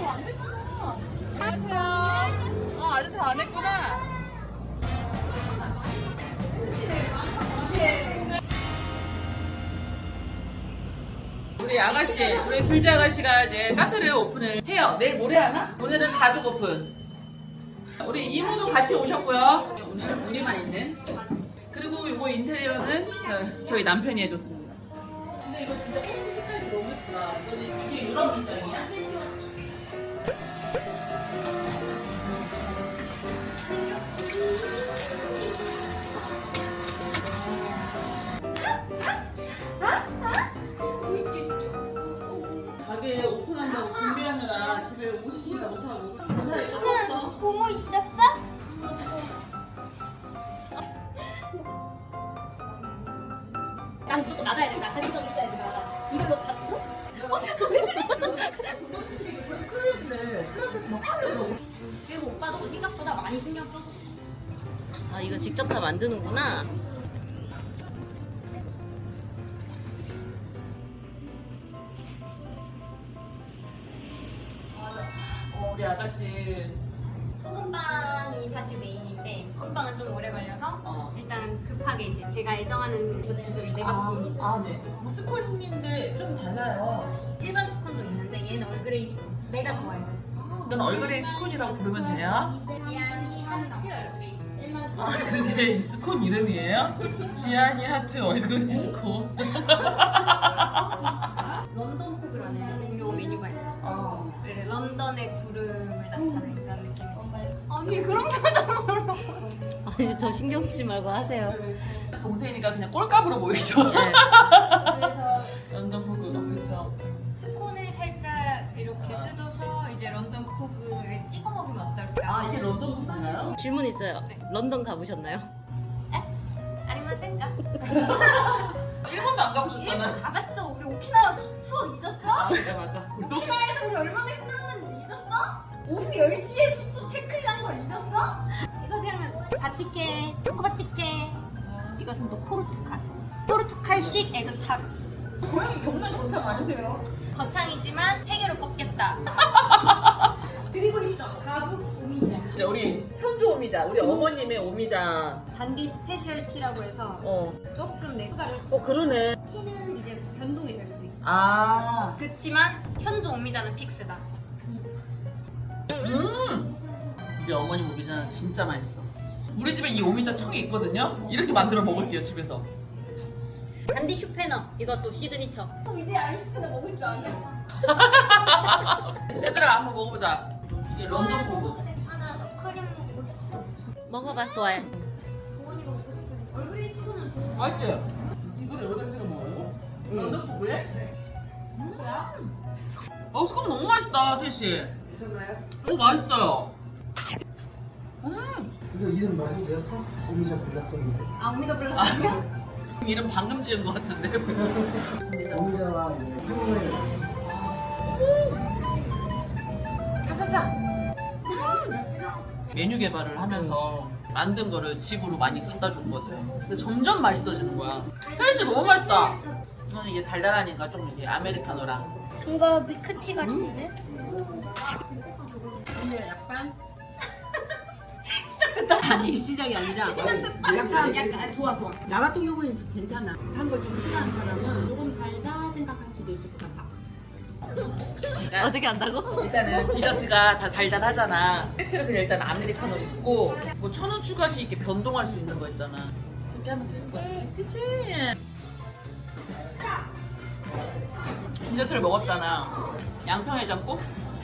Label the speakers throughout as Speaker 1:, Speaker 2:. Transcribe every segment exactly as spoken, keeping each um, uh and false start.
Speaker 1: 안 했구나. 안녕하세요. 어, 아직 다 안 했구나. 우리 아가씨, 우리 둘째 아가씨가 이제 카페를 오픈을 해요. 내일 모레 하나? 오늘은 가족 오픈. 우리 이모도 같이 오셨고요. 오늘 우리만 있는. 그리고 이거 인테리어는 저, 저희 남편이 해줬습니다. 근데 이거 진짜 펜 색깔이 너무 예쁘다. 이거는 이게 유럽 디자인이야? 가게 오픈한다고 준비하느라 집에 오시지도 못하고 그래서 이거 컸어.
Speaker 2: 고모 있었어? 난 무조건 나가야 된다. 같이 좀 있어야 된다. 이걸로 다 뜯어? 그리고 오빠도 생각보다 많이 신경 써서.
Speaker 3: 아 이거 직접 다 만드는구나.
Speaker 1: 어, 우리 아가씨.
Speaker 2: 소금빵이 사실 메인인데 소금빵은 좀 오래 걸려서
Speaker 1: 어.
Speaker 2: 일단 급하게 이제 제가 애정하는 디저트들을 내봤습니다.
Speaker 1: 아, 네. 뭐 스콘인데 좀 달라요.
Speaker 2: 일반 스콘도 있는데 얘는 얼그레이 스콘. 내가 좋아해서.
Speaker 1: 넌 얼그레이 스콘이라고 부르면 돼요?
Speaker 2: 지안이 하트 얼그레이 스콘.
Speaker 1: 아, 근데 이 스콘 이름이에요? 지안이 하트 얼그레이 스콘.
Speaker 2: 런던 포그라는 음료 메뉴가 있어.
Speaker 1: 어.
Speaker 2: 그래, 런던의 구름을 나타내는 그런 느낌이 있어. 아니 그런 표정으로.
Speaker 3: 아니 저 신경 쓰지 말고 하세요.
Speaker 1: 동생이니까 그냥 꼴값으로 보이죠?
Speaker 3: 네.
Speaker 2: 그래서
Speaker 1: 런던 포그, 그렇죠.
Speaker 2: 스콘을 살짝 이렇게 뜯어서 이제 런던 포그에 찍어 먹으면 어떨까?
Speaker 1: 아, 이게 런던 포그인가요?
Speaker 3: 질문 있어요.
Speaker 2: 네.
Speaker 3: 런던 가보셨나요?
Speaker 2: 아리마센가?
Speaker 1: 일본도 안
Speaker 2: 일본
Speaker 1: 가보셨잖아요.
Speaker 2: 가봤죠. 우리 오키나와 추억 잊었어?
Speaker 1: 아, 그래, 맞아.
Speaker 2: 오키나와에서 우리 얼마나 힘들었는지 잊었어? 오후 열 시에 숙소 체크인한 거 잊었어? 이거 그냥 바치케, 초코바치케. 이것은 또 포르투갈. 포르투갈식 에그타르.
Speaker 1: 고양이 경남 거참 많으세요?
Speaker 2: 거창이지만 세 개로 뽑겠다. 그리고 있어. 가북 오미자.
Speaker 1: 네, 우리 현주 오미자, 우리 어머님의 오미자.
Speaker 2: 단디 스페셜티라고 해서
Speaker 3: 어.
Speaker 2: 조금 내 추가를 했어.
Speaker 3: 어 그러네.
Speaker 2: 티는 이제 변동이 될 수 있어.
Speaker 1: 아.
Speaker 2: 그렇지만 현주 오미자는 픽스다.
Speaker 1: 음. 우리 어머님 오미자는 진짜 맛있어. 우리 집에 이 오미자 청이 있거든요. 이렇게 만들어 먹을게요 집에서.
Speaker 3: 단디 슈페너 이것도 시그니처.
Speaker 2: 이제 아이스크림 먹을 줄 아냐?
Speaker 1: 얘들아 한번 먹어보자. 이게 런던 포그.
Speaker 2: 하나 크림 먹고 싶어.
Speaker 3: 먹어봐 좋아해.
Speaker 2: 도원이가 먹고 싶어. 얼그레이 스푼은 도원.
Speaker 1: 맛있지? 이거를 여기다 찍어 먹어요? 런던 포그에? 음. 어 스콘 너무 맛있다 태씨.
Speaker 4: 괜찮나요?
Speaker 1: 오 맛있어요. 음.
Speaker 4: 이거 이름 맞으면 되었어? 오미자 블라썸인데.
Speaker 2: 아 오미자 블라썸이야?
Speaker 1: 이름 방금 지은 것 같은데.
Speaker 4: 오미자와 이제 한국의
Speaker 1: 사사사. 메뉴 개발을 하면서 만든 거를 집으로 많이 갖다 줬거든. 근데 점점 맛있어지는 거야. 헬스 너무 맛있다. 저는 이게 달달하니까 좀 이게 아메리카노랑.
Speaker 2: 이거 밀크티 같은데?
Speaker 5: 오늘 약간 아니 시작이 아니라 약간 약간 아, 좋아 좋아 나 같은 경우는 괜찮아 한 걸 좀 싫어하는 사람은 조금 달다 생각할 수도 있을 것 같아.
Speaker 3: 어떻게 한다고?
Speaker 1: 일단은 디저트가 다 달달하잖아. 세트를 그냥 일단 아메리카노 있고 뭐 천 원 추가 시 이렇게 변동할 수 있는 거 있잖아. 그렇게 하면 되는 거야. 그치? 디저트를 먹었잖아. 양평해장국?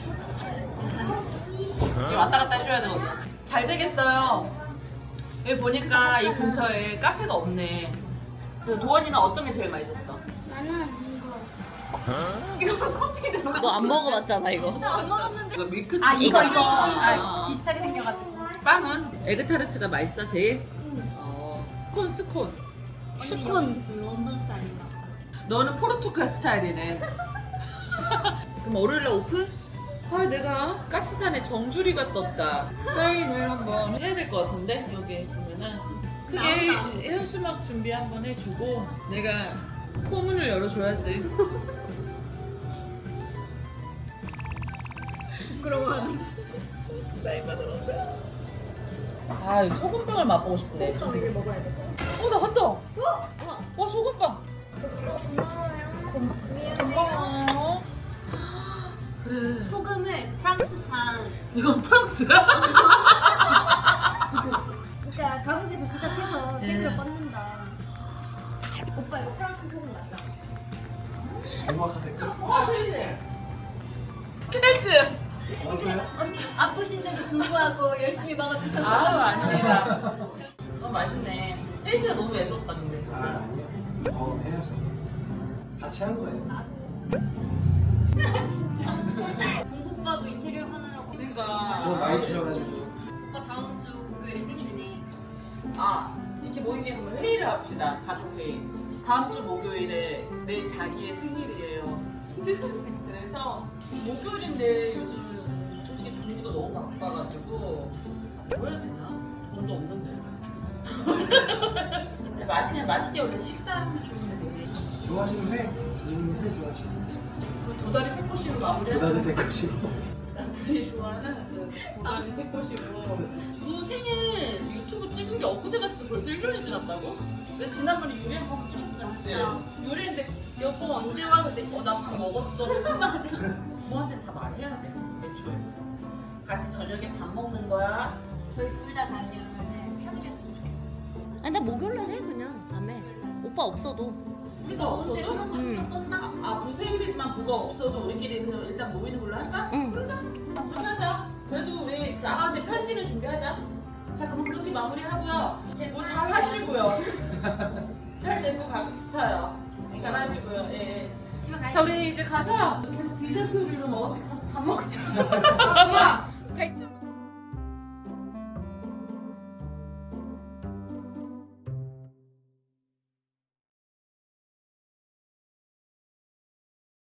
Speaker 1: 이거 왔다 갔다 해줘야 되거든. 잘 되겠어요. 여기 보니까 이 근처에 카페가 없네. 그래서 도원이는 어떤 게 제일 맛있었어?
Speaker 2: 나는 이거. 이거 커피를 누가
Speaker 3: 너 안 먹어봤잖아 이거.
Speaker 2: 안 먹었는데.
Speaker 1: 이거 밀크티.
Speaker 2: 아 이거 이거.
Speaker 1: 아,
Speaker 2: 아, 비슷하게 생겨가지고.
Speaker 1: 빵은 에그타르트가 맛있어 제일? 어. 스콘 스콘.
Speaker 2: 스콘. 런던 스타일인가?
Speaker 1: 너는 포르투갈 스타일이네. 그럼 월요일날 오픈? 아 내가 까치산에 정주리가 떴다. 사인을 한번 해야 될 것 같은데 여기 보면은 크게 현수막 준비 한번 해주고 내가 포문을 열어줘야지.
Speaker 2: 부끄러워하네.
Speaker 1: 아, 이 소금빵을 맛보고 싶은데.
Speaker 2: 이걸 먹어야 돼.
Speaker 1: 어, 나 갔다. 와, 소금빵. 고마워. 그래.
Speaker 2: 소금을 프랑스산.
Speaker 1: 이건 프랑스야?
Speaker 2: 그러니까 가북에서 시작해서
Speaker 1: 네.
Speaker 2: 세계로 뻗는다. 오빠 이거 프랑스 소금 맞아?
Speaker 4: 정확하세요.
Speaker 1: 어, 테이스. 테이스.
Speaker 4: 맞아요?
Speaker 2: 언니 아프신데도 불구하고 열심히 먹어주셔서
Speaker 1: 아, 아닙니다. 어, 맛있네. 테이스가 너무 애썼다, 근데
Speaker 4: 아,
Speaker 1: 진짜.
Speaker 4: 아니요. 어, 해야죠. 같이 한 거예요.
Speaker 2: 진짜 공부빠도 인테리어 하느라고
Speaker 4: 저
Speaker 1: 그러니까.
Speaker 4: 많이 주셔가지고.
Speaker 2: 오빠 다음 주 목요일에 생일이네.
Speaker 1: 아, 이렇게 모이게 그러면 회의를 합시다. 가족 회의. 다음 주 목요일에 내 자기의 생일이에요. 그래서 목요일인데 요즘 솔직히 종이가 너무 바빠가지고 뭐 해야 되나? 돈도 없는데. 마- 그냥 맛있게 우리 식사하면 좋으면 되지.
Speaker 4: 좋아하시는 회? 음, 회 좋아하시는
Speaker 1: 도다리 새꼬시로 마무리하자.
Speaker 4: 도다리 새꼬시고.
Speaker 1: 남들이 좋아하는 그 도다리 새꼬시로. 너 생일 유튜브 찍은 게 엊그제 같은데 벌써 일 년이 지났다고? 근데 지난번에 요리 한 번 찍었었잖아. 그치? 요리인데 여보 언제 와? 근데 어 나 밥 먹었어. 맞아. 부모한테 다 말해야 돼. 애초에. 같이 저녁에 밥 먹는 거야.
Speaker 2: 저희 둘 다 다니면은 평일이었으면 좋겠어.
Speaker 3: 아니 나 목요일날 해 그냥 밤에. 오빠 없어도.
Speaker 2: 우리가 언제
Speaker 1: 없어도?
Speaker 2: 그런 거 신경 썼나?
Speaker 1: 아 부생일이지만 부가 없어도 우리끼리 그냥 일단 모이는 걸로 할까?
Speaker 3: 응.
Speaker 1: 그러자. 그렇게 하자. 그래도 우리 나가는데 편지는 준비하자. 자 그럼 그렇게 마무리하고요. 뭐 잘 하시고요. 잘 데리고 가고 싶어요. 잘 하시고요. 예. 예.
Speaker 2: 집에 가야
Speaker 1: 자 우리 이제 가서 계속 디저트 요리로 먹었으니까 가서 밥 먹자.